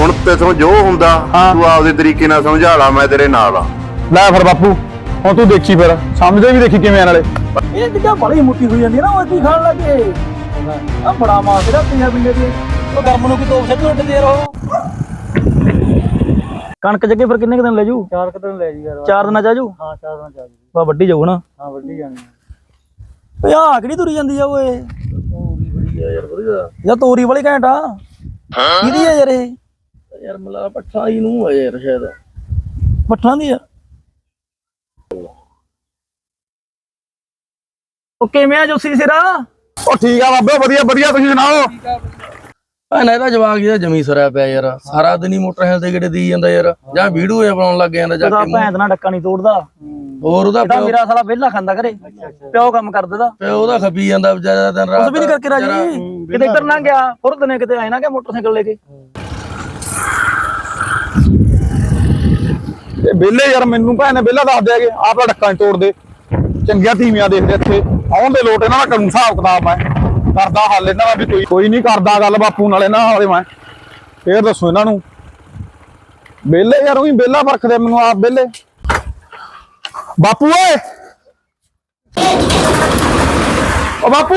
ਹੁਣ ਤੇਥੋਂ ਜੋ ਹੁੰਦਾ ਤੂੰ ਆਪਦੇ ਤਰੀਕੇ ਨਾਲ ਸਮਝਾ ਲਾ, ਮੈਂ ਤੇਰੇ ਨਾਲ ਆ। ਲੈ ਫਿਰ ਬਾਪੂ ਹੁਣ ਤੂੰ ਦੇਖੀ ਫਿਰ ਸਮਝਦੇ ਵੀ ਦੇਖੀ ਕਿਵੇਂ ਆ ਨਾਲੇ। ਇਹ ਜਿੱਦਾਂ ਬੜੀ ਮੁੱਠੀ ਹੋਈ ਜਾਂਦੀ ਨਾ ਉਹ ਕੀ ਖਾਣ ਲੱਗੇ ਆ ਬੜਾ ਮਾਸ ਜਿਹੜਾ ਪਿਆ ਬਿੱਲੇ ਦੇ ਉਹ ਗਰਮ ਨੂੰ ਕੀ ਤੋਪ ਛੱਡ ਉੱਡ ਦੇ ਰਹੋ। ਕਣਕ ਜੱਗੇ ਫਿਰ ਕਿੰਨੇ ਦਿਨ ਲੈ ਜੂ? 4 ਦਿਨ ਲੈ ਜੀ ਯਾਰ। 4 ਦਿਨਾਂ ਚ ਆ ਜੂ? ਹਾਂ 4 ਦਿਨਾਂ ਚ ਆ ਜੂ। ਬਾ ਵੱਡੀ ਜਾਊ ਨਾ? ਹਾਂ ਵੱਡੀ ਜਾਣੀ ਓਏ ਆ ਕਿਹੜੀ ਤੁਰੀ ਜਾਂਦੀ ਆ ਓਏ? ਤੋਰੀ ਬੜੀ ਆ ਯਾਰ ਵਧੀਆ ਯਾਰ, ਤੋਰੀ ਵਾਲੀ ਘੈਂਟ ਆ। ਕਿਹਦੀ ਆ ਯਾਰ ਇਹ? ਯਾਰ ਮਲਾ ਪੱਠਾ ਹੀ ਨੂੰ ਆ ਯਾਰ, ਸ਼ਾਇਦ ਪੱਠਾਂ ਦੀ ਆ। ਉਹ ਕਿਵੇਂ ਆ ਜੋਸੀ ਸਿਰਾ? ਉਹ ਠੀਕ ਆ ਬਾਬੇ, ਵਧੀਆ ਵਧੀਆ, ਤੁਸੀਂ ਸੁਣਾਓ? ਭੈਣਾ ਇਹਦਾ ਜਵਾਕ ਇਹਦਾ ਜਮੀ ਸਰਿਆ ਪਿਆ ਯਾਰ, ਸਾਰਾ ਦਿਨ ਹੀ ਮੋਟਰਸਾਈਕਲ ਤੇ ਕਿਹੜੇ ਦੀ ਜਾਂਦਾ ਯਾਰ, ਜਾਂ ਵੀਡੀਓ ਬਣਾਉਣ ਲੱਗ ਜਾਂਦਾ ਜਾ ਕੇ। ਭੈਣ ਨਾਲ ਡੱਕਾ ਨਹੀਂ ਤੋੜਦਾ। ਹੋਰ ਉਹਦਾ ਮੇਰਾ ਸਾਲਾ ਵਿਹਲਾ ਖਾਂਦਾ ਘਰੇ, ਪਿਓ ਕੰਮ ਕਰ ਦਿੰਦਾ, ਪਿਓ ਉਹਦਾ ਖਪੀ ਜਾਂਦਾ ਵਿਚਾਰਾ ਦਿਨ ਰਾਤ। ਕੁਝ ਵੀ ਨਹੀਂ ਕਰਕੇ ਰਾਜੀ। ਕਿਤੇ ਇੱਧਰ ਨਾ ਗਿਆ ਫੁਰਤ ਨੇ, ਕਿਤੇ ਆਏ ਨਾ ਗਿਆ ਮੋਟਰਸਾਈਕਲ ਲੈ ਕੇ। ਇਹ ਵਿਹਲੇ ਯਾਰ, ਮੈਨੂੰ ਭੈਣ ਨੇ ਵਿਹਲਾ ਦੱਸ ਦਿਆਗੇ ਆਪ ਦਾ ਡੱਕਾ ਨੀ ਤੋੜਦੇ। ਚੰਗੀਆਂ ਧੀਮੀਆਂ ਦੇਖਦੇ ਇੱਥੇ ਆਉਣ ਦੇ ਲੋਟ, ਇਹਨਾਂ ਦਾ ਕਰੂੰ ਹਿਸਾਬ ਕਿਤਾਬ। ਮੈਂ ਕਰਦਾ ਹੱਲ ਇਹਨਾਂ ਦਾ ਵੀ, ਕੋਈ ਨਹੀਂ ਕਰਦਾ ਗੱਲ ਬਾਪੂ ਨਾਲ ਇਹਨਾਂ ਵਾਲੇ। ਮੈਂ ਫੇਰ ਦੱਸੋ ਇਹਨਾਂ ਨੂੰ ਵਿਹਲੇ ਯਾਰ, ਉਹੀ ਵਿਹਲਾ ਵਰਖਦੇ ਮੈਨੂੰ ਆਪ ਵਿਹਲੇ। ਬਾਪੂ ਓਏ, ਓ ਬਾਪੂ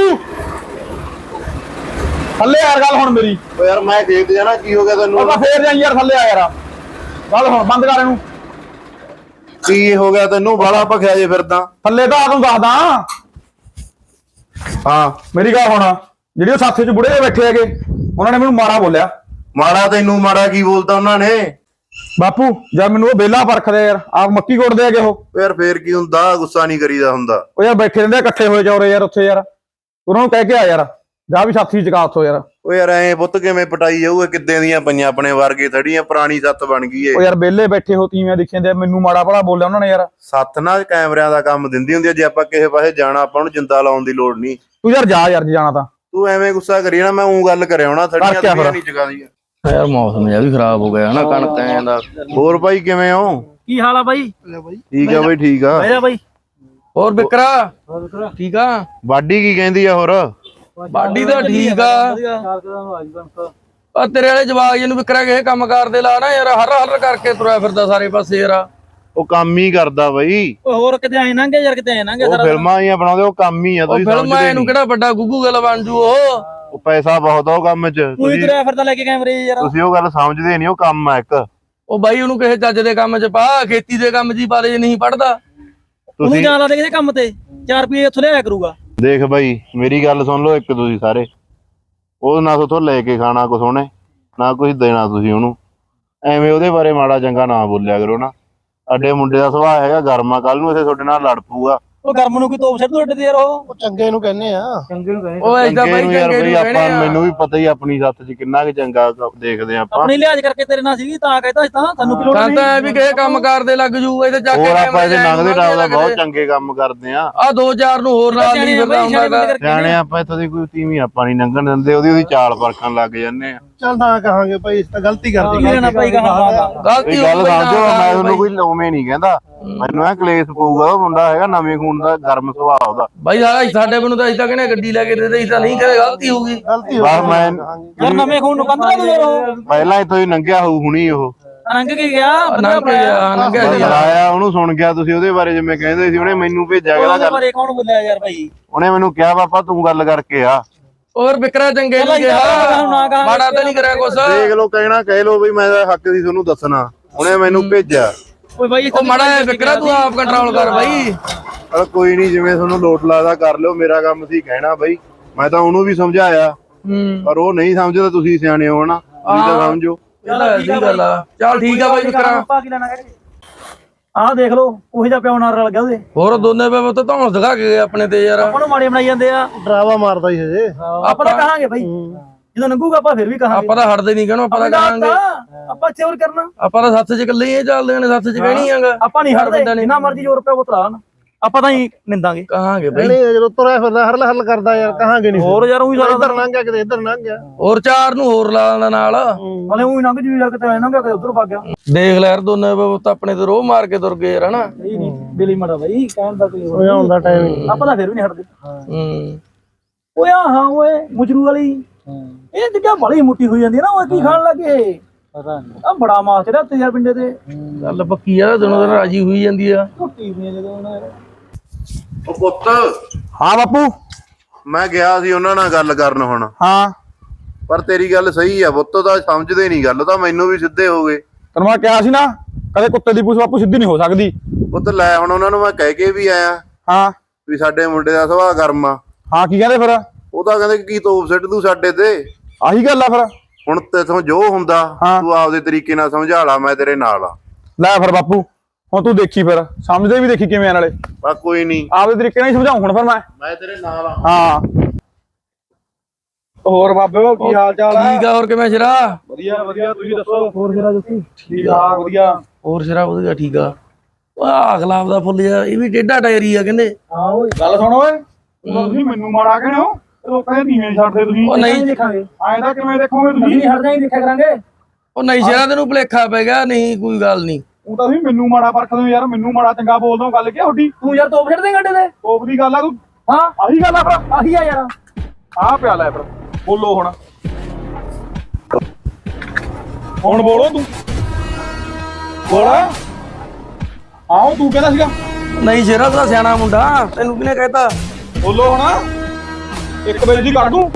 ਥੱਲੇ ਯਾਰ, ਗੱਲ ਹੁਣ ਮੇਰੀ। ਓ ਯਾਰ ਮੈਂ ਦੇਖ ਜਾਣਾ, ਕੀ ਹੋ ਗਿਆ ਤੈਨੂੰ? ਉਹ ਫੇਰ ਜਾਈ ਯਾਰ, ਥੱਲੇ ਆ ਯਾਰ, ਗੱਲ ਹੁਣ ਬੰਦ ਕਰ ਇਹਨੂੰ। ਕੀ ਹੋ ਗਿਆ ਤੈਨੂੰ? ਬਾਲਾ ਭਖਿਆ ਜੇ ਫਿਰਦਾ। ਥੱਲੇ ਤਾਂ ਆ ਤੂੰ ਦੱਸਦਾ। ਹਾਂ ਮੇਰੀ ਗੱਲ ਹੁਣ, ਜਿਹੜੀ ਉਹ ਸਾਥੀ ਚ ਬੁੜੇ ਜਿਹੇ ਬੈਠੇ ਹੈਗੇ, ਉਹਨਾਂ ਨੇ ਮੈਨੂੰ ਮਾੜਾ ਬੋਲਿਆ। ਮਾੜਾ? ਤੈਨੂੰ ਮਾੜਾ ਕੀ ਬੋਲਦਾ ਉਹਨਾਂ ਨੇ? ਬਾਪੂ ਜਦ ਮੈਨੂੰ ਉਹ ਵਿਹਲਾ ਪਰਖਦੇ ਯਾਰ, ਆਪ ਮੱਕੀ ਕੁੱਟਦੇ ਹੈਗੇ ਉਹ। ਯਾਰ ਫੇਰ ਕੀ ਹੁੰਦਾ, ਗੁੱਸਾ ਨਹੀਂ ਕਰੀਦਾ ਹੁੰਦਾ। ਉਹ ਯਾਰ ਬੈਠੇ ਰਹਿੰਦੇ ਇਕੱਠੇ ਹੋਏ ਚੌਰੇ ਯਾਰ ਉੱਥੇ ਯਾਰ, ਉਹਨਾਂ ਨੂੰ ਕਹਿ ਕੇ ਆ ਯਾਰ, ਜਾ ਵੀ ਸਾਥੀ ਚਕਾ ਉੱਥੋਂ ਯਾਰ। ਓ ਯਾਰ ਐ ਪੁੱਤ ਕਿਵੇਂ ਪਟਾਈ ਜਾਊਗਾ? ਕਿੱਦਾਂ ਦੀਆਂ ਪਈਆਂ ਆਪਣੇ ਵਰਗੇ ਥੜੀਆਂ, ਪੁਰਾਣੀ ਸੱਤ ਬਣ ਗਈ ਏ। ਉਹ ਯਾਰ ਵਿਹਲੇ ਬੈਠੇ ਹੋ ਤੀਵੀਆਂ ਦਿਖੀਆਂ ਦੇ, ਮੈਨੂੰ ਮਾੜਾ ਭਲਾ ਬੋਲਿਆ ਉਹਨਾਂ ਨੇ ਯਾਰ। ਸੱਤ ਨਾਲ ਕੈਮਰਿਆਂ ਦਾ ਕੰਮ ਦਿੰਦੀ ਹੁੰਦੀ ਆ, ਜੇ ਆਪਾਂ ਕਿਸੇ ਪਾਸੇ ਜਾਣਾ ਆਪਾਂ ਨੂੰ ਜਿੰਦਾ ਲਾਉਣ ਦੀ ਲੋੜ ਨਹੀਂ। ਤੂੰ ਯਾਰ ਜਾ ਯਾਰ, ਜੇ ਜਾਣਾ ਤਾਂ। ਤੂੰ ਐਵੇਂ ਗੁੱਸਾ ਕਰੀ ਨਾ, ਮੈਂ ਉਹ ਗੱਲ ਕਰਿਆ ਹੋਣਾ, ਥੜੀਆਂ ਨਹੀਂ ਜਗਾਦੀਆਂ। ਯਾਰ ਮੌਸਮ ਜਿਹਾ ਵੀ ਖਰਾਬ ਹੋ ਗਿਆ ਹਨਾ, ਕਣਕ ਐਂ ਦਾ। ਹੋਰ ਭਾਈ ਕਿਵੇਂ ਹੋ? ਕੀ ਹਾਲ ਆ ਬਾਈ? ਠੀਕ ਆ ਬਾਈ, ਠੀਕ ਆ। ਬਹਿ ਬਾਈ। ਹੋਰ ਬਿਕਰਾ ਠੀਕ ਆ? ਬਾਡੀ ਕੀ ਕਹਿੰਦੀ ਆ? ਹੋਰ ਬਾਡੀ ਤਾਂ ਠੀਕ ਆ। ਆ ਤੇਰੇ ਵਾਲੇ ਜਵਾਕ ਜਿਹਨੂੰ ਵਿਕਰਾ ਕਿਸੇ ਕੰਮ ਕਰਦੇ ਲਾ ਨਾ ਯਾਰ, ਹਰ ਹਰ ਕਰਕੇ ਤੁਰਿਆ ਫਿਰਦਾ ਸਾਰੇ ਪਾਸੇ ਯਾਰ। ਉਹ ਕੰਮ ਹੀ ਕਰਦਾ ਬਾਈ। ਹੋਰ ਕਿਤੇ ਆਏ ਨੰਗੇ ਯਾਰ, ਕਿਤੇ ਆਏ ਨੰਗੇ। ਉਹ ਫਿਲਮਾਂ ਹੀ ਬਣਾਉਂਦੇ, ਉਹ ਕੰਮ ਹੀ ਆ। ਤੁਸੀਂ ਫਿਲਮਾਂ ਇਹਨੂੰ ਕਿਹੜਾ ਵੱਡਾ ਗੁੱਗੂ ਗੱਲ ਬਣ ਜੂ ਉਹ ਪੈਸਾ ਬਹੁਤ ਆ ਉਹ ਕੰਮ 'ਚ। ਤੂੰ ਤੁਰਿਆ ਫਿਰਦਾ ਲੈ ਕੇ ਕੈਮਰੇ ਯਾਰ। ਤੁਸੀਂ ਉਹ ਗੱਲ ਸਮਝਦੇ ਨਹੀਂ, ਉਹ ਕੰਮ ਆ ਇੱਕ। ਉਹ ਬਾਈ ਉਹਨੂੰ ਕਿਸੇ ਚੱਜ ਦੇ ਕੰਮ 'ਚ ਪਾ, ਖੇਤੀ ਦੇ ਕੰਮ 'ਚ ਹੀ ਪਾ ਲੈ ਜੇ ਨਹੀਂ ਪੜਦਾ। ਉਹਨੂੰ ਜਾਣ ਲਾ ਦੇ ਕਿਸੇ ਕੰਮ ਤੇ, 4 ਰੁਪਏ ਉੱਥੋਂ ਲਿਆਇਆ ਕਰੂਗਾ। ਦੇਖ ਬਾਈ ਮੇਰੀ ਗੱਲ ਸੁਣ ਲਓ ਇੱਕ, ਤੁਸੀਂ ਸਾਰੇ ਉਹ ਨਾ ਉਥੋਂ ਲੈ ਕੇ ਖਾਣਾ ਕੁਛ ਉਹਨੇ, ਨਾ ਕੁਛ ਦੇਣਾ ਤੁਸੀਂ ਉਹਨੂੰ। ਐਵੇਂ ਉਹਦੇ ਬਾਰੇ ਮਾੜਾ ਚੰਗਾ ਨਾ ਬੋਲਿਆ ਕਰੋ ਨਾ। ਸਾਡੇ ਮੁੰਡੇ ਦਾ ਸੁਭਾਅ ਹੈਗਾ ਗਰਮਾ, ਕੱਲ ਨੂੰ ਇੱਥੇ ਤੁਹਾਡੇ ਨਾਲ ਲੜ ਪਊਗਾ। ਉਹ ਗਰਮ ਨੂੰ ਕੀ ਤੋਪ ਛੱਡ ਉੱਡ ਦੇ ਯਾਰ। ਉਹ ਚੰਗੇ ਨੂੰ ਕਹਿੰਦੇ ਆ। ਚੰਗੇ ਨੂੰ ਕਹਿੰਦੇ। ਉਹ ਐਦਾਂ ਬਾਈ ਯਾਰ ਚੰਗੇ ਬਈ ਨੂੰ ਆਪਾਂ, ਕਹਿਣੇ ਮੈਨੂੰ ਵੀ ਪਤਾ ਹੀ ਆਪਣੀ ਸੱਤ 'ਚ ਕਿੰਨਾ ਕੁ ਚੰਗਾ ਦੇਖਦੇ ਆਪਾਂ। ਆਪਣੀ ਲਿਹਾਜ਼ ਕਰਕੇ ਤੇਰੇ ਨਾਲ ਸੀਗੀ ਤਾਂ ਕਹਿੰਦਾ ਤਾਂ ਸਾਨੂੰ ਕੀ ਲੋੜ ਨਹੀਂ। ਤਾਂ ਵੀ ਕਿਸੇ ਕੰਮ ਕਰਦੇ ਲੱਗ ਜੂ ਇਹਦੇ ਜਾ ਕੇ। ਹੋਰ ਆਪਾਂ ਇਹਦੇ ਲੰਘਦੇ ਟਾਪਦਾ ਬਹੁਤ ਚੰਗੇ ਕੰਮ ਕਰਦੇ ਆ। ਆ 2000 ਨੂੰ ਹੋਰ ਨਾਲ ਨਹੀਂ ਫਿਰਦਾ ਹੁੰਦਾ। ਸਿਆਣੇ ਆਪਾਂ ਇੱਥੋਂ ਦੀ ਕੋਈ ਤੀਵੀਂ ਆਪਾਂ ਨਹੀਂ ਲੰਘਣ ਦਿੰਦੇ, ਉਹਦੀ ਚਾਲ ਪਰਖਣ ਲੱਗ ਜਾਂਦੇ ਆ। ਚੱਲ ਤਾਂ ਕਹਾਂਗੇ ਭਾਈ ਇਸ ਤਾਂ ਗਲਤੀ ਕਰਦੀ ਭਾਈ ਗਲਤੀ ਗੱਲ ਸਮਝੋ, ਮੈਂ ਤੁਹਾਨੂੰ ਕੋਈ ਲੋਵੇਂ ਨਹੀਂ ਕਹਿੰਦਾ। ਮੈਨੂੰ ਇਹ ਕਲੇਸ਼ ਪਊਗਾ, ਉਹ ਮੁੰਡਾ ਹੈਗਾ ਨਵੇਂ ਖੂਨ ਦਾ, ਗਰਮ ਸੁਭਾਅ ਉਹਦਾ। ਬਾਈ ਸਾਡੇ ਕੋਲ ਤਾਂ ਅਜੇ ਤੱਕ ਨੇ ਗੱਡੀ ਲੈ ਕੇ ਦੇ ਦੇ, ਤਾਂ ਨਹੀਂ ਕਰੇ ਗਲਤੀ ਹੋਊਗੀ। ਪਰ ਮੈਂ ਯਾਰ ਨਵੇਂ ਖੂਨ ਨੂੰ ਕੰਧਰਾ ਦੇ ਯਾਰ। ਪਹਿਲਾਂ ਇੱਥੋਂ ਹੀ ਲੰਘਿਆ ਹੋਊ ਹੁਣੀ ਉਹ। ਨੰਗ ਕੇ ਗਿਆ ਆਇਆ, ਉਹਨੂੰ ਸੁਣ ਗਿਆ ਤੁਸੀਂ ਉਹਦੇ ਬਾਰੇ ਜਿਵੇਂ ਕਹਿੰਦੇ ਸੀ, ਉਹਨੇ ਮੈਨੂੰ ਭੇਜਿਆ ਉਹਦੇ ਬਾਰੇ ਕੌਣ ਬੋਲਿਆ ਯਾਰ ਭਾਈ? ਉਹਨੇ ਮੈਨੂੰ ਕਿਹਾ ਪਾਪਾ ਤੂੰ ਗੱਲ ਕਰਕੇ ਆ। ਹੋਰ ਵਿਕਰਾ ਚੰਗੇ ਨਹੀਂ ਕਿਹਾ, ਮਾੜਾ ਤਾਂ ਨਹੀਂ ਕਰਿਆ ਕੁਛ। ਦੇਖ ਲੋ, ਕਹਿਣਾ ਕਹਿ ਲੋ ਵੀ ਮੈਂ ਹੱਕ ਦੀ ਤੁਹਾਨੂੰ ਦੱਸਣਾ। ਉਹਨੇ ਮੈਨੂੰ ਭੇਜਿਆ। ਓਏ ਬਾਈ ਉਹ ਮਾੜਾ ਜਿਹਾ ਵਿਕਰਾ ਤੂੰ ਆਪ ਕੰਟਰੋਲ ਕਰ ਬਾਈ। ਚਲ ਕੋਈ ਨਹੀਂ, ਜਿਵੇਂ ਤੁਹਾਨੂੰ ਲੋਟ ਲੱਗਦਾ ਕਰ ਲਿਓ, ਮੇਰਾ ਕੰਮ ਸੀ ਕਹਿਣਾ ਬਾਈ। ਮੈਂ ਤਾਂ ਉਹਨੂੰ ਵੀ ਸਮਝਾਇਆ, ਪਰ ਉਹ ਨਹੀਂ ਸਮਝਦਾ। ਤੁਸੀਂ ਸਿਆਣੇ ਹੋ ਨਾ, ਤੁਸੀਂ ਤਾਂ ਸਮਝੋ। ਗੱਲ ਆ। ਚੱਲ ਠੀਕ ਆ ਬਾਈ ਵਿਕਰਾ। ਆਹ ਦੇਖ ਲੋ ਉਹੀ ਜਿਹਾ ਪਿਓ ਨਾਲ ਰਲ ਗਿਆ ਉਹਦੇ। ਹੋਰ ਦੋਨੇ ਪੇ ਤਾਂ ਧੌਣ ਦਿਖਾ ਕੇ ਆਪਣੇ ਤੇ ਯਾਰ। ਆਪਾਂ ਨੂੰ ਮਾੜੇ ਬਣਾਈ ਜਾਂਦੇ ਆ। ਡਰਾਵਾ ਮਾਰਦਾ ਹੀ ਹਜੇ। ਆਪਾਂ ਤਾਂ ਕਹਾਂਗੇ ਭਾਈ, ਜਦੋਂ ਲੰਘੂਗਾ ਆਪਾਂ ਫਿਰ ਵੀ ਕਹਾਂਗੇ। ਆਪਾਂ ਤਾਂ ਹਟਦੇ ਨਹੀਂ, ਕਹਿਣਾ ਆਪਾਂ ਤਾਂ ਕਹਾਂਗੇ। ਆਪਾਂ ਇੱਥੇ ਹੋਰ ਕਰਨਾ, ਆਪਾਂ ਤਾਂ ਸੱਥ 'ਚ ਇਕੱਲੇ ਹੀ ਚੱਲਦੇ ਨੇ, ਸੱਥ 'ਚ ਕਹਿਣੀ ਆਗਾ। ਆਪਾਂ ਨਹੀਂ ਹਟਦੇ, ਜਿੰਨਾ ਮਰਜ਼ੀ ਜ਼ੋਰ ਪਿਆ ਉਤਰਾ ਨਾ, ਆਪਾਂ ਤਾਂ ਹੀ ਨਿੰਦਾਂਗੇ। ਕਹਾਂਗੇ ਬਾਈ। ਨਹੀਂ ਜਦੋਂ ਤੁਰਿਆ ਫਿਰਦਾ ਹਰਲ ਹਰਲ ਕਰਦਾ ਯਾਰ, ਕਹਾਂਗੇ ਨਹੀਂ। ਹੋਰ ਯਾਰ ਉਹੀ ਇੱਧਰ ਲੰਘ ਗਿਆ, ਕਿਤੇ ਇੱਧਰ ਲੰਘ ਗਿਆ। ਹੋਰ 4 ਨੂੰ ਹੋਰ ਲਾ ਲੈਂਦਾ ਨਾਲ। ਹਲੇ ਉਹੀ ਲੰਘ ਜੂ ਯਾਰ, ਕਿਤੇ ਲੰਘ ਗਿਆ ਕਿਤੇ ਉਧਰ ਭੱਗ ਗਿਆ। ਦੇਖ ਲੈ ਯਾਰ ਦੋਨੇ ਤਾਂ ਆਪਣੇ ਤੇ ਰੋਹ ਮਾਰ ਕੇ ਤੁਰ ਗਏ ਯਾਰ ਹਨਾ। ਇਹ ਨਹੀਂ ਬਿਲੀ ਮੜਾ ਬਾਈ, ਕਹਿਣ ਦਾ ਕੋਈ ਹੋਇਆ ਹੁੰਦਾ ਟਾਈਮ। ਆਪਾਂ ਤਾਂ ਫਿਰ ਵੀ ਨਹੀਂ ਹਟਦੇ। ਓਏ ਹਾਂ ਓਏ ਮੁਜਰੂ ਵਾਲੀ ਇਹ ਜਿੱਦਾਂ ਬੜੀ ਮੁੱਠੀ ਹੋਈ ਜਾਂਦੀ ਨਾ, ਉਹ ਕੀ ਖਾਣ ਲੱਗੇ ਪਤਾ ਨਹੀਂ ਆ ਬੜਾ ਮਾਸ ਚੜਾ ਉੱਤੇ ਯਾਰ ਪਿੰਡੇ ਤੇ ਗੱਲ ਪੱਕੀ ਆ ਦਿਨੋਂ ਦਿਨ ਰਾਜੀ ਹੋਈ ਜਾਂਦੀ ਆ ਝੁੱਟੀ ਨਹੀਂ ਜਦੋਂ ਉਹਨਾਂ ਉਹ ਪੁੱਤ ਹਾਂ ਬਾਪੂ ਮੈਂ ਗਿਆ ਸੀ ਉਹਨਾਂ ਨਾਲ ਗੱਲ ਕਰਨ ਹੁਣ, ਹਾਂ ਪਰ ਤੇਰੀ ਗੱਲ ਸਹੀ ਆ ਪੁੱਤ, ਤਾਂ ਸਮਝਦੇ ਨਹੀਂ ਗੱਲ, ਤਾਂ ਮੈਨੂੰ ਵੀ ਸਿੱਧੇ ਹੋ ਗਏ। ਤੈਨੂੰ ਮੈਂ ਕਿਹਾ ਸੀ ਨਾ ਕਦੇ ਕੁੱਤੇ ਦੀ ਪੂਛ ਬਾਪੂ ਸਿੱਧੀ ਨਹੀਂ ਹੋ ਸਕਦੀ। ਪੁੱਤ ਲੈ ਹੁਣ ਉਹਨਾਂ ਨੂੰ ਮੈਂ ਕਹਿ ਕੇ ਵੀ ਆਇਆ ਹਾਂ ਵੀ ਸਾਡੇ ਮੁੰਡੇ ਦਾ ਸੁਭਾਅ ਗਰਮ ਆ। ਹਾਂ ਕੀ ਕਹਿੰਦੇ ਫਿਰ? ਉਹ ਤਾਂ ਕਹਿੰਦੇ ਕੀ ਤੋਪ ਸਿੱਟ ਤੂੰ ਸਾਡੇ ਤੇ। ਆਹੀ ਗੱਲ ਆ ਫਿਰ। ਹੁਣ ਤੇਥੋਂ ਜੋ ਹੁੰਦਾ ਹਾਂ। ਤੂੰ ਆਪਦੇ ਤਰੀਕੇ ਨਾਲ ਸਮਝਾ ਲਾ, ਮੈਂ ਤੇਰੇ ਨਾਲ ਆ। ਲੈ ਫਿਰ ਬਾਪੂ ਹੁਣ ਤੂੰ ਦੇਖੀ ਫਿਰ, ਸਮਝਦੇ ਵੀ ਦੇਖੀ ਕਿਵੇਂ ਆ ਨਾਲੇ। ਬਾ ਕੋਈ ਨਹੀਂ, ਆਪਦੇ ਤਰੀਕੇ ਨਾਲ ਹੀ ਸਮਝਾਉਂ ਹੁਣ ਫਿਰ ਮੈਂ ਤੇਰੇ ਨਾਲ ਆ। ਹਾਂ ਹੋਰ ਬਾਬੇ ਕੀ ਹਾਲ ਚਾਲ ਹੈ? ਠੀਕ ਆ। ਹੋਰ ਕਿਵੇਂ ਸ਼ਰਾ? ਵਧੀਆ ਵਧੀਆ, ਤੁਸੀਂ ਦੱਸੋ। ਹੋਰ ਜਰਾ ਜੁੱਤੀ ਠੀਕ ਆ ਵਧੀਆ। ਹੋਰ ਸ਼ਰਾ ਵਧੀਆ ਠੀਕ ਆ। ਆਹ ਗੁਲਾਬ ਦਾ ਫੁੱਲ ਜਿਹਾ ਇਹ ਵੀ ਟੇਢਾ ਟਾਇਰੀ ਆ ਕਹਿੰਦੇ। ਹਾਂ ਓਏ ਗੱਲ ਸੁਣ ਓਏ, ਤੁਸੀਂ ਮੈਨੂੰ ਮਾੜਾ ਕਹਿੰਦੇ ਹੋ, ਲੋਕਾਂ ਦੇ ਨੀਵੇਂ ਛੱਡਦੇ ਤੁਸੀਂ। ਉਹ ਨਹੀਂ ਦੇਖਾਂਗੇ ਐਂ ਤਾਂ ਕਿਵੇਂ ਦੇਖੋਗੇ ਅਸੀਂ ਤੁਸੀਂ? ਨਹੀਂ ਹਟ ਜਾਈਂ ਦੇਖਿਆ ਕਰਾਂਗੇ। ਉਹ ਨਹੀਂ ਸ਼ਰਾ ਤੈਨੂੰ ਭੁਲੇਖਾ ਪੈ ਗਿਆ, ਨਹੀਂ ਕੋਈ ਗੱਲ ਨਹੀਂ। ਉਹ ਤਾਂ ਤੁਸੀਂ ਮੈਨੂੰ ਮਾੜਾ ਪਰਖਦੇ ਹੋ ਯਾਰ, ਮੈਨੂੰ ਮਾੜਾ ਚੰਗਾ ਬੋਲਦੇ ਹੋ, ਗੱਲ ਕੀ ਤੁਹਾਡੀ? ਤੂੰ ਯਾਰ ਤੋਪ ਛੱਡ ਦੇ ਗੱਡੇ ਤੇ। ਤੋਪ ਦੀ ਗੱਲ ਆ ਤੂੰ, ਹਾਂ ਆਹੀ ਗੱਲ ਆ ਫਿਰ। ਆਹੀ ਆ ਯਾਰ। ਆਹ ਪਿਆ ਲੈ ਫਿਰ, ਬੋਲੋ ਹੁਣ। ਹੁਣ ਬੋਲੋ ਤੂੰ, ਬੋਲ। ਆਹੋ ਤੂੰ ਕਹਿੰਦਾ ਸੀਗਾ, ਨਹੀਂ ਸ਼ਰਾ ਤੂੰ ਤਾਂ ਸਿਆਣਾ ਮੁੰਡਾ, ਤੈਨੂੰ ਕਿਹਨੇ ਕਹਿਤਾ? ਬੋਲੋ ਹੁਣ। 1 ਵਜੇ ਦੀ ਕਰ ਦੂੰ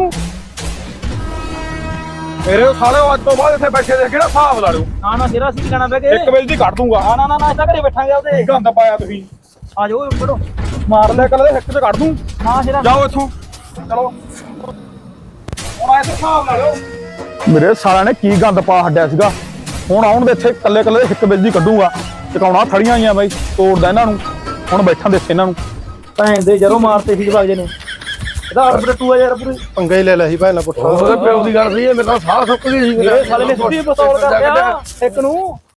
ਮੇਰੇ ਸਾਲੇ ਅੱਜ ਤੋਂ ਬਾਅਦ ਇੱਥੇ ਬੈਠੇ ਦੇ ਕਿਹੜਾ ਹਿਸਾਬ ਲਾ ਲਿਓ। ਨਾ ਨਾ ਜਰਾ ਸੀ ਲੈਣਾ ਬੈ ਕੇ 1 ਵਜੇ ਦੀ ਕੱਢ ਦੂੰਗਾ। ਨਾ ਨਾ ਨਾ ਇੱਦਾਂ ਘਰੇ ਬੈਠਾਂਗੇ ਉਹਦੇ। ਗੰਦ ਪਾਇਆ ਤੁਸੀਂ। ਆ ਜਾਓ ਫੜੋ। ਮਾਰ ਲੈ ਕੱਲ ਦੇ ਹਿੱਕ ਤੇ ਕੱਢ ਦੂੰ। ਹਾਂ ਜਰਾ ਜਾਓ ਇੱਥੋਂ, ਚਲੋ ਹੁਣ ਆਏ ਤੇ ਹਿਸਾਬ ਲਾ ਲਿਓ। ਮੇਰੇ ਸਾਲਿਆਂ ਨੇ ਕੀ ਗੰਦ ਪਾ ਛੱਡਿਆ ਸੀਗਾ। ਹੁਣ ਆਉਣ ਦੇ ਇੱਥੇ ਕੱਲੇ ਕੱਲੇ ਦੇ 1 ਵਜੇ ਦੀ ਕੱਢੂਗਾ। ਟਿਕਾਉਣਾ ਥੜੀਆਂ ਆਈਆਂ ਬਾਈ, ਤੋੜਦਾ ਇਹਨਾਂ ਨੂੰ। ਹੁਣ ਬੈਠਾਂ ਦੇ ਇੱਥੇ ਇਹਨਾਂ ਨੂੰ। ਭੈਣ ਦੇ ਜਰੋਂ ਮਾਰਤੇ ਸੀ ਜਵਾਗ ਜੇ ਨੇ। ਇਹਦਾ ਆਰਡਰ ਟੂ ਆ ਯਾਰ ਪੂਰੀ। ਪੰਗਾ ਹੀ ਲੈ ਲਿਆ ਸੀ ਭਾਈ ਨਾਲ ਪੁੱਠਾ। ਉਹਦੇ ਪਿਓ ਦੀ ਗੱਲ ਸਹੀ ਹੈ, ਮੇਰੇ ਤਾਂ ਸਾਹ ਸੁੱਕ ਗਈ ਸੀ। ਇਹ ਸਾਲੇ ਨੇ ਸਿੱਧੀ ਪਸਤੌਲ ਕਰ ਲਿਆ ਇੱਕ ਨੂੰ।